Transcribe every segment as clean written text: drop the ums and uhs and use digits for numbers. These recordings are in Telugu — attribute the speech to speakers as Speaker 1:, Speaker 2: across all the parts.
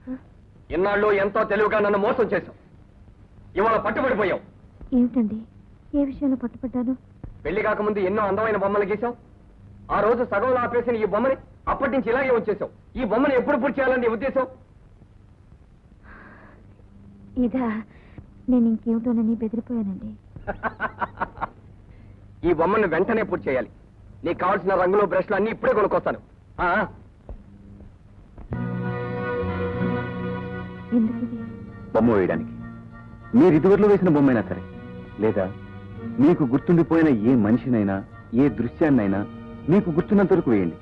Speaker 1: ఇన్నాళ్ళు ఎంతో తెలివిగా నన్ను మోసం చేశావు. ఇవాళ పట్టుబడిపోయావు.
Speaker 2: ఏమిటండి, ఏ విషయంలో పట్టుబడ్డాను?
Speaker 1: పెళ్లి కాకముందు ఎన్నో అందమైన బొమ్మలు గీసావు. ఆ రోజు సగంలో ఆపేసిన ఈ బొమ్మని అప్పటి నుంచి ఇలాగే వచ్చేసావు. ఈ బొమ్మను ఎప్పుడు పూర్తి చేయాలని నీ ఉద్దేశం?
Speaker 2: ఇదా, నేను ఇంకేమిటోనని బెదిరిపోయానండి.
Speaker 1: ఈ బొమ్మను వెంటనే పూర్తి చేయాలి. నీకు కావాల్సిన రంగులు బ్రష్లు అన్ని ఇప్పుడే కొనుక్కొస్తాను.
Speaker 2: ఎందుకు?
Speaker 3: బొమ్మ వేయడానికి. మీరు ఇదివరలో వేసిన బొమ్మైనా సరే, లేదా మీకు గుర్తుండిపోయిన ఏ మనిషినైనా ఏ దృశ్యాన్నైనా మీకు గుర్తున్నంత వరకు వేయండి.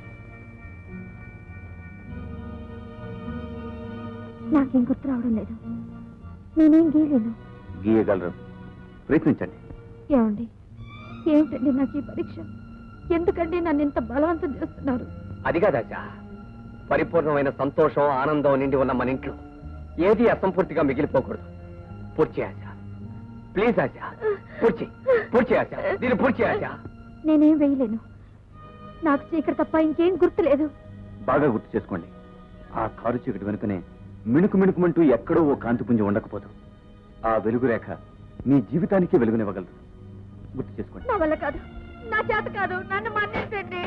Speaker 2: నాకేం గుర్తు రావడం లేదు. నేనేం గీయలేను.
Speaker 3: గీయగలరు, ప్రయత్నించండి.
Speaker 2: ఏమండి, ఏమిటండి నాకు ఈ పరీక్ష? ఎందుకండి నన్ను ఇంత బలవంతం చేస్తున్నారు?
Speaker 1: అది కాదాచా, పరిపూర్ణమైన సంతోషం ఆనందం నిండి ఉన్న మన ఇంట్లో ఏది అసంపూర్తిగా మిగిలిపోకూడదు. పూర్తి ఆశా, ప్లీజ్ ఆశా, పూర్తి ఆశా, దీన్ని పూర్తి ఆశా.
Speaker 2: నేనేం వేయలేను. నాకు చీకటి తప్ప ఇంకేం గుర్తు లేదు.
Speaker 3: బాగా గుర్తు చేసుకోండి. ఆ కారు చీకటి వెనుకనే మిణుకు మిణుకుమంటూ ఎక్కడో ఓ కాంతిపుంజం ఉండకపోదు. ఆ వెలుగు రేఖ మీ జీవితానికి వెలుగునివ్వగలదు. గుర్తు చేసుకోండి.
Speaker 2: నా వల్ల కాదు, నా చేత కాదు, నన్ను మన్నించండి.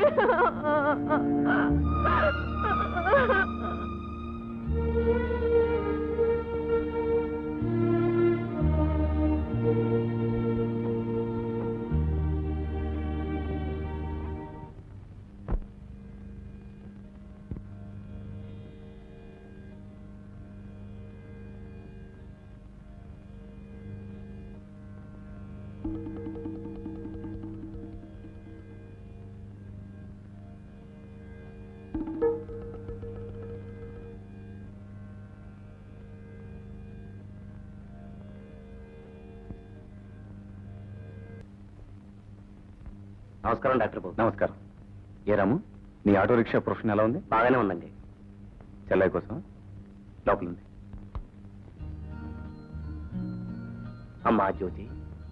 Speaker 3: నమస్కారం డాక్టర్ బాబు. నమస్కారం. ఏ రాము, నీ ఆటో రిక్షా ప్రొఫెషన్ ఎలా ఉంది?
Speaker 1: బాగానే ఉందండి.
Speaker 3: చెల్లయ్య కోసం లోపలుంది.
Speaker 1: అమ్మా జ్యోతి,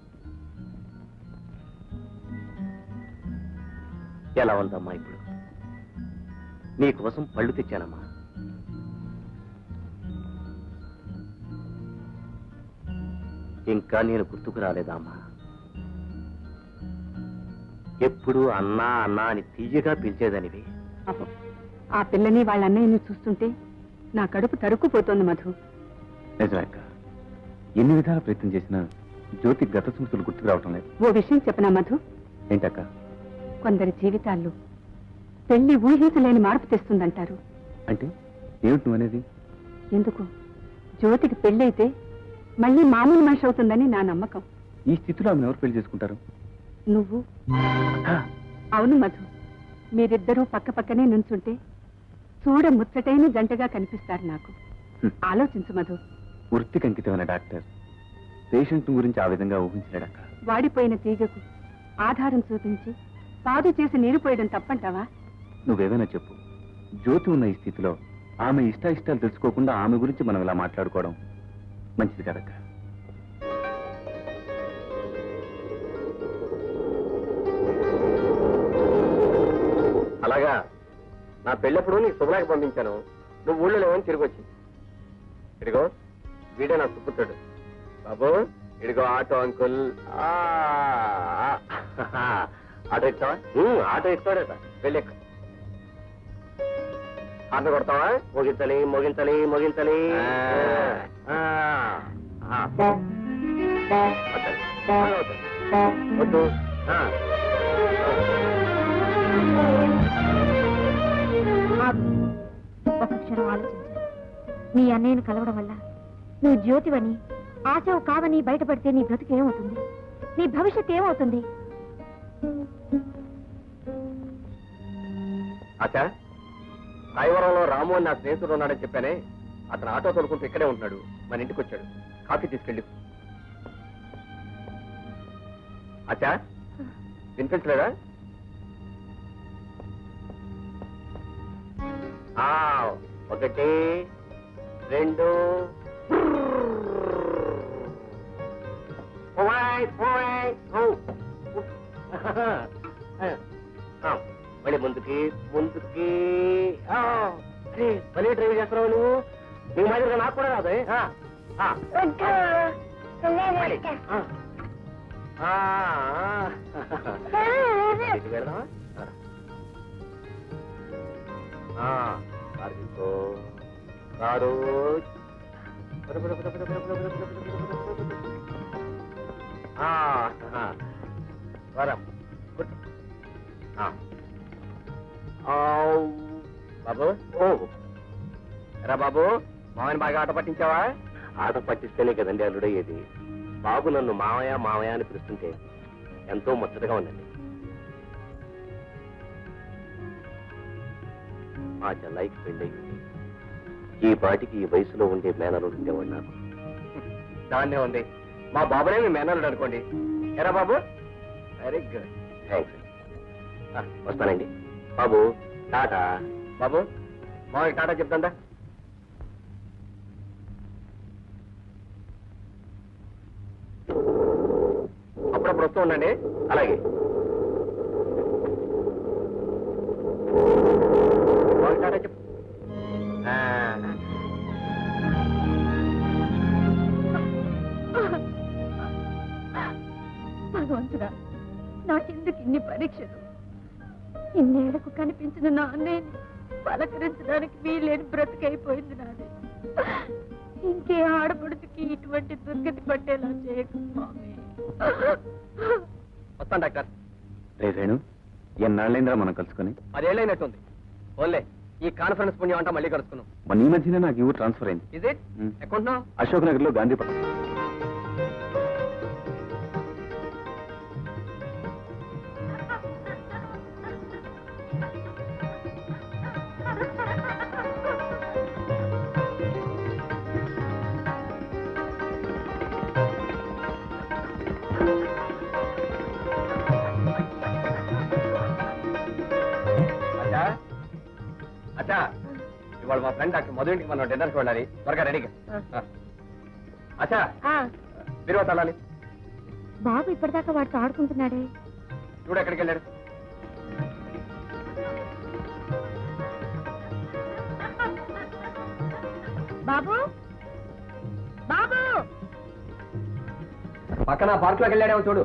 Speaker 1: ఎలా ఉందమ్మా ఇప్పుడు? నీకోసం పళ్ళు తెచ్చానమ్మా. ఇంకా నేను గుర్తుకు రాలేదా అమ్మా? ఎప్పుడు అన్నా అన్నా అని తీయగా పిలిచేదనివి.
Speaker 4: ఆ పిల్లని వాళ్ళ అన్నయ్యని చూస్తుంటే నా కడుపు తరుక్కుపోతోంది మధు.
Speaker 3: నిజమేక, ఎన్ని విధాల ప్రయత్నం చేసినా జ్యోతి గత స్మృతులు గుర్తుకు రావటం లేదు.
Speaker 4: ఓ విషయం చెప్పనా మధు?
Speaker 3: ఏంటక్క?
Speaker 4: కొందరి జీవితాల్లో పెళ్లి ఊహించలేని మార్పు తెస్తుందంటారు.
Speaker 3: అంటే ఏమిటి నువ్వు అనేది?
Speaker 4: ఎందుకు, జ్యోతికి పెళ్ళైతే మళ్ళీ మామూలు మనిషి అవుతుందని నా నమ్మకం.
Speaker 3: ఈ స్థితిలో ఆమెను ఎవరు పెళ్లి చేసుకుంటారు?
Speaker 4: నువ్వు. అవును మధు, మీరిద్దరూ పక్క పక్కనే నుంచుంటే చూడ ముచ్చటైన జంటగా కనిపిస్తారు నాకు. ఆలోచించు మధు.
Speaker 3: వృత్తికి అంకితమైన డాక్టర్ పేషెంట్ గురించి ఆ విధంగా ఊహించలేడక్క.
Speaker 4: వాడిపోయిన తీగకు ఆధారం చూపించి పాదు చేసి నీరు పోయడం తప్పంటావా?
Speaker 3: నువ్వేమైనా చెప్పు. జ్యోతి ఉన్న ఈ స్థితిలో ఆమె ఇష్టాయిష్టాలు తెలుసుకోకుండా ఆమె గురించి మనం ఇలా మాట్లాడుకోవడం మంచిది కదక్క.
Speaker 1: అలాగా, నా పెళ్ళప్పుడు నీ శుభ్రాకి పంపించాను. నువ్వు ఊళ్ళో లేవని తిరిగి వచ్చి. ఇదిగో వీడే నా సుపుత్రుడు బాబు. ఇదిగో ఆటో అంకుల్. ఆటో ఎక్కుతావా? ఆటో ఎక్కుతాడట. వెళ్ళి ఎక్కు. ఆటో కొడతావా? మోగించాలి మోగించాలి మోగించాలి. వద్దు.
Speaker 2: ఒక క్షణం ఆలోచించు. నీ అన్నయ్యను కలవడం వల్ల నువ్వు జ్యోతివని, ఆశవు కావని బయటపడితే నీ బ్రతుకు ఏమవుతుంది? నీ భవిష్యత్ ఏమవుతుంది?
Speaker 1: ఆచా, సాయివరంలో రాము అని నా స్నేహితుడు ఉన్నాడని చెప్పానే, అతను ఆటో తోలుకుంటూ ఇక్కడే ఉంటున్నాడు. మన ఇంటికి వచ్చాడు. కాఫీ తీసుకెళ్ళి. ఆచా, వినిపించలేదా? ఒకటి రెండు. మళ్ళీ ముందుకి ముందుకి. మళ్ళీ డ్రైవ్ చేస్తున్నావు నువ్వు. నీ మాదిరిగా నాకు కూడా రాదు వెళ్దామా కారు వరం బాబు రా బాబు మామని బాగా ఆట పట్టించావా? ఆట పట్టిస్తేనే కదండి అల్లుడయ్యేది. బాబు నన్ను మామయ్య మామయ్య అని పిలుస్తుంటే ఎంతో ముచ్చటగా ఉందండి. మా చెల్లాయికి పెళ్ళయింది. ఈ పాటికి ఈ వయసులో ఉండే మేనలుడు ఉండేవాడు నాకు. దాన్నే ఉంది, మా బాబునే మీ మేనలుడు అనుకోండి. ఎరా బాబు? Very good, thanks. వస్తానండి బాబు. టాటా బాబు. మామయ్య టాటా చెప్తాందా? అప్పుడప్పుడు వస్తూ ఉండండి. అలాగే. టాటా చెప్పు.
Speaker 2: భగవంతుడా, నాకెందుకు ఇన్ని పరీక్షలు? ఇన్నేళ్లకు కనిపించిన నా అన్నయ్యని పలకరించడానికి వీలేని బ్రతికైపోయింది నాది. ఇంకే ఆడపడుచుకి ఇటువంటి దుర్గతి పట్టేలా చేయకు స్వామి.
Speaker 1: వస్తాను డాక్టర్.
Speaker 3: రే వేణు, ఎన్నాళ్ళైందిరా మనం కలుసుకొని?
Speaker 1: 10 ఏళ్ళైనట్టుంది. ఓన్లే ఈ కాన్ఫరెన్స్ పుణ్యం అంటా మళ్ళీ కలుసుకున్నాం.
Speaker 3: మన ఈ మధ్యనే నాకు ఇవ్వు ట్రాన్స్ఫర్ అయింది.
Speaker 1: Is it? ఎక్కడున్నా?
Speaker 3: అశోక్ నగర్ లో గాంధీపట్నం.
Speaker 1: అచ్చా, ఇవాళ మా ఫ్రెండ్ డాక్టర్ మధు ఇంటికి మనం డిన్నర్కి వెళ్ళాలి. త్వరగా రెడీగా. అచ్చా, మీరు వెళ్ళాలి.
Speaker 2: బాబు ఇప్పటిదాకా వాడితో ఆడుకుంటున్నాడే.
Speaker 1: చూడు ఎక్కడికి వెళ్ళాడు.
Speaker 2: బాబు, బాబు
Speaker 1: పక్కన పార్క్ లోకి వెళ్ళాడేమో చూడు.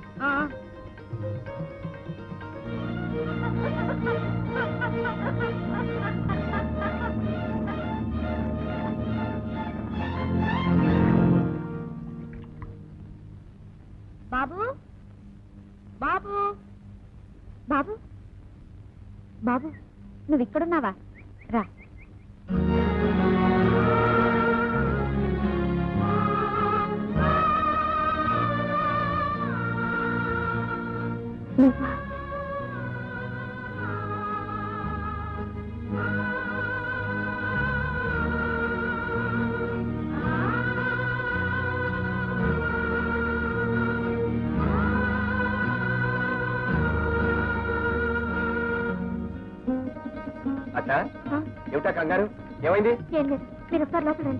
Speaker 2: బాబు, బాబు, బాబు, బాబు, నువ్వు ఇక్కడున్నావా? రా. నువ్వా?
Speaker 1: అచ్చా, ఏమిటా కంగారు? ఏమైంది?
Speaker 2: ఏం లేదు, మీరు ఒకసారి లోపల రండి.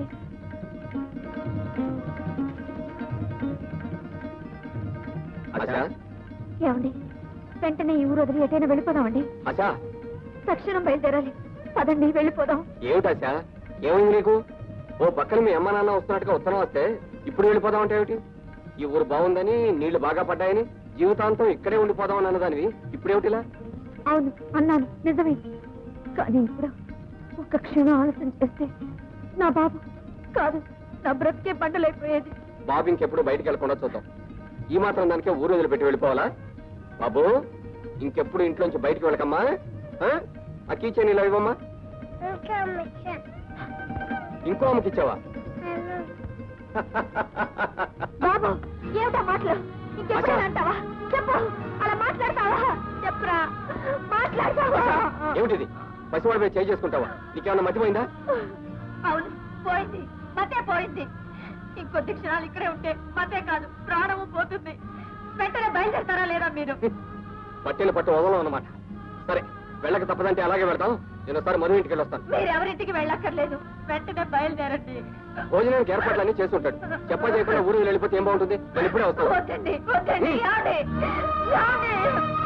Speaker 1: అచ్చా,
Speaker 2: ఏమండి, వెంటనే ఈ ఊరు వదిలి ఎటైనా వెళ్ళిపోదామండి.
Speaker 1: అచ్చా,
Speaker 2: తక్షణం బయలుదేరాలి. పదండి, వెళ్ళిపోదాం.
Speaker 1: ఏమిటచ్చా, ఏమైంది నీకు? ఓ పక్కన మీ అమ్మ నాన్న వస్తున్నట్టుగా ఉత్తరం వస్తే ఇప్పుడు వెళ్ళిపోదాం అంటే ఏమిటి? ఈ ఊరు బాగుందని, నీళ్లు బాగా పడ్డాయని, జీవితాంతం ఇక్కడే ఉండిపోదామని అన్నదానివి ఇప్పుడేమిటిలా?
Speaker 2: అవును అన్నాను, నిజమే. కానీ ఇప్పుడు ఒక్క క్షణం ఆలస్యం చేస్తే నా బాబు కాదు, నా బ్రతికే బండలైపోయేది.
Speaker 1: బాబు ఇంకెప్పుడు బయటికి వెళ్ళకుండా చూద్దాం. ఈ మాత్రం దానికే ఊరు వదిలిపెట్టి వెళ్ళిపోవాలా? బాబు, ఇంకెప్పుడు ఇంట్లోంచి బయటికి వెళ్ళకమ్మా. ఆ కీచైన్ ఇలా ఇవ్వమ్మా. ఇంకో అమ్మకి ఇచ్చావా?
Speaker 2: బాబు, ఏమిటా మాటలు? ఇంకెప్పుడు అంటావా? చెప్పు, అలా మాట్లాడతావా? చెప్పురా, మాట్లాడతావా?
Speaker 1: ఏమిటిది? పసివాడి మీద చేయి చేసుకుంటావా? నీకేమన్నా మతిపోయిందా?
Speaker 2: అవును, పోయింది, మతే పోయింది. ఇంకొద్ది క్షణాలు ఇక్కడే ఉంటే మతే కాదు, ప్రాణము పోతుంది. వెంటనే బయలుదేరతారా లేదా మీరు?
Speaker 1: పట్టిన పట్టు వదలం అన్నమాట. సరే, వెళ్ళక తప్పదంటే అలాగే వెళ్తాం. నేను ఒకసారి మధు ఇంటికి వెళ్ళొస్తాను.
Speaker 2: మీరు ఎవరింటికి వెళ్ళక్కర్లేదు, వెంటనే బయలుదేరండి.
Speaker 1: భోజనానికి ఏర్పాట్లన్నీ చేస్తుంటాడు. చెప్ప చేయకుండా ఊరు వెళ్ళిపోతే ఏం బాగుంటుంది? నేను ఇప్పుడే వస్తాను.
Speaker 2: వద్దండి, వద్దండి, రాండి, రాండి.